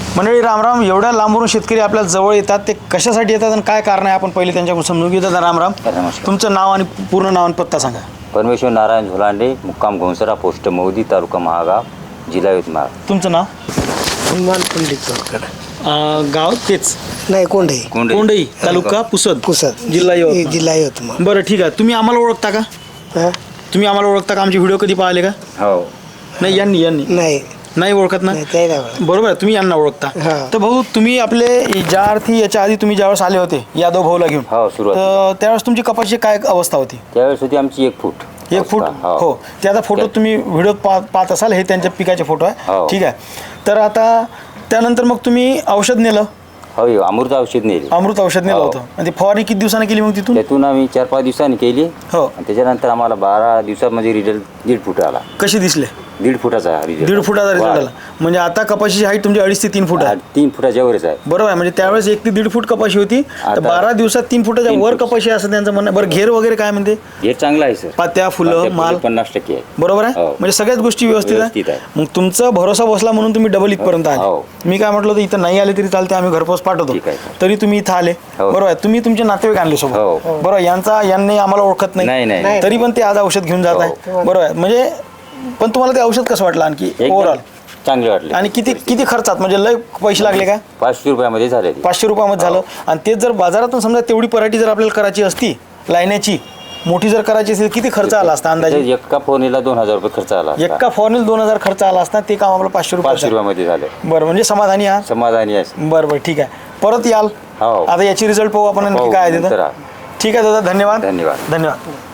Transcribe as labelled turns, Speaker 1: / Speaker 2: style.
Speaker 1: मंडळी रामराम. एवढ्या लांबून शेतकरी आपल्या जवळ येतात, ते कशासाठी येतात आणि काय कारण आहे आपण पहिले त्यांच्याकडून समजून घेऊ. दादा रामराम.
Speaker 2: नमस्कार.
Speaker 1: तुमचं नाव आणि पूर्ण नाव आणि पत्ता सांगा.
Speaker 2: परमेश्वर नारायण झोलांडे, मुक्काम घोंसरा, पोस्ट मौदी, तालुका महागाव, जिल्हा यवतमाळ.
Speaker 1: तुमचं नाव?
Speaker 3: हनुमान पंडित चौरकर.
Speaker 1: गाव तेच
Speaker 3: नाही कोंढई.
Speaker 1: कोंडई, तालुका पुसद,
Speaker 3: पुसद,
Speaker 1: जिल्हा यवतमाळ.
Speaker 3: जिल्हा यवतमाळ.
Speaker 1: बरं ठीक आहे. तुम्ही आम्हाला ओळखता का?
Speaker 3: हा?
Speaker 1: तुम्ही आम्हाला ओळखता का? आमचे व्हिडिओ कधी पाहिले का?
Speaker 2: हो.
Speaker 1: नाही, यांनी नाही ओळखत ना?
Speaker 3: नाही, ते नाही ओळखत.
Speaker 1: बरोबर आहे, तुम्ही यांना ओळखता.
Speaker 3: हा.
Speaker 1: तर भाऊ, तुम्ही आपले ज्या अर्थी याच्या आधी तुम्ही ज्यावेळेस आले होते यादव भाऊला घेऊन,
Speaker 2: हो, सुरुवात.
Speaker 1: तर त्यावेळेस तुमची कपाशीची काय अवस्था होती?
Speaker 2: त्यावेळेस होती आमची 1 फूट.
Speaker 1: 1 फूट. हो, त्याचा फोटो तुम्ही व्हिडिओ पाहत असाल. हे त्यांच्या पिकाचे फोटो आहे.
Speaker 2: हो.
Speaker 1: ठीक आहे. तर आता त्यानंतर मग तुम्ही औषध नेलं,
Speaker 2: हो, अमृत औषध नेली.
Speaker 1: अमृत औषध नेलं
Speaker 2: हो.
Speaker 1: होतं. आणि ती फवारणी किती दिवसांनी केली मग तिथून?
Speaker 2: त्यातून आम्ही 4-5 दिवसांनी केली.
Speaker 1: हो.
Speaker 2: आणि त्याच्यानंतर आम्हाला 12 दिवसामध्ये रिझल्ट 1.5 फूट आला.
Speaker 1: कसे दिसले?
Speaker 2: 1.5 फुटाचा रिझल्ट.
Speaker 1: 1.5 फुटाचा रिझल्ट आला. म्हणजे आता कपाशीची हाईट तुमची 2.5 ते 3 फूट आहे.
Speaker 2: 3 फुटाच्या वरच आहे.
Speaker 1: बरोबर आहे. म्हणजे त्यावेळेस 1 ते 1.5 फूट कपाशी होती, तर
Speaker 2: आता
Speaker 1: 12 दिवसात 3 फुटाच्या
Speaker 2: 3
Speaker 1: वर
Speaker 2: फूट.
Speaker 1: कपाशी असं त्यांचं म्हणणं. बरं, घेर वगैरे काय म्हणते?
Speaker 2: हे चांगलं आहे सर.
Speaker 1: पात्या, फुलं, माल
Speaker 2: 50% आहे.
Speaker 1: बरोबर आहे.
Speaker 2: हो.
Speaker 1: म्हणजे सगळ्याच गोष्टी व्यवस्थित
Speaker 2: व्यवस्थित
Speaker 1: आहे.
Speaker 2: आहे.
Speaker 1: मग तुमचा भरोसा बसला म्हणून तुम्ही डबल इथपर्यंत आले.
Speaker 2: हो.
Speaker 1: मी काय म्हटलं होतं, इथं नाही आले तरी चालते, आम्ही घरपोच पाठवतो.
Speaker 2: ठीक आहे, सर.
Speaker 1: तरी तुम्ही इथं आले.
Speaker 2: हो.
Speaker 1: बरोबर आहे. तुम्ही तुमचे नातेवाईक आणले सोबत.
Speaker 2: हो.
Speaker 1: बरोबर. यांनी आम्हाला ओळखत
Speaker 2: नाही, नाही.
Speaker 1: तरी पण ते आज औषध घेऊन जात आहे. बरोबर आहे. म्हणजे पण तुम्हाला ते औषध कसं वाटलं आणखी
Speaker 2: एकदम
Speaker 1: ओव्हरऑल?
Speaker 2: चांगले वाटले.
Speaker 1: आणि किती खर्चात, म्हणजे लय पैसे लागले का?
Speaker 2: 500 रुपयामध्ये झाले ते.
Speaker 1: 500 रुपयामध्ये झालं. आणि तेच जर बाजारातून समजा तेवढी पराठी जर आपल्याला करायची असती, लायण्याची मोठी जर करायची असेल, किती खर्च आला असता अंदाजे?
Speaker 2: एका फोनीला 2000 रुपये खर्च आला असता.
Speaker 1: एका फॉर्नेल 2000 खर्च आला असता. ते काम आपलं 500
Speaker 2: 500
Speaker 1: रुपये.
Speaker 2: रुपयामध्ये झाले.
Speaker 1: बरं, म्हणजे समाधानी आहात?
Speaker 2: समाधानी आहे.
Speaker 1: बरं ठीक आहे. परत याल.
Speaker 2: हो.
Speaker 1: आता याची रिझल्ट पाहू आपण आणखी
Speaker 2: हो,
Speaker 1: काय आहे
Speaker 2: नंतर
Speaker 1: तिथं.
Speaker 2: आ.
Speaker 1: ठीक आहे दादा, धन्यवाद.
Speaker 2: धन्यवाद.
Speaker 1: धन्यवाद.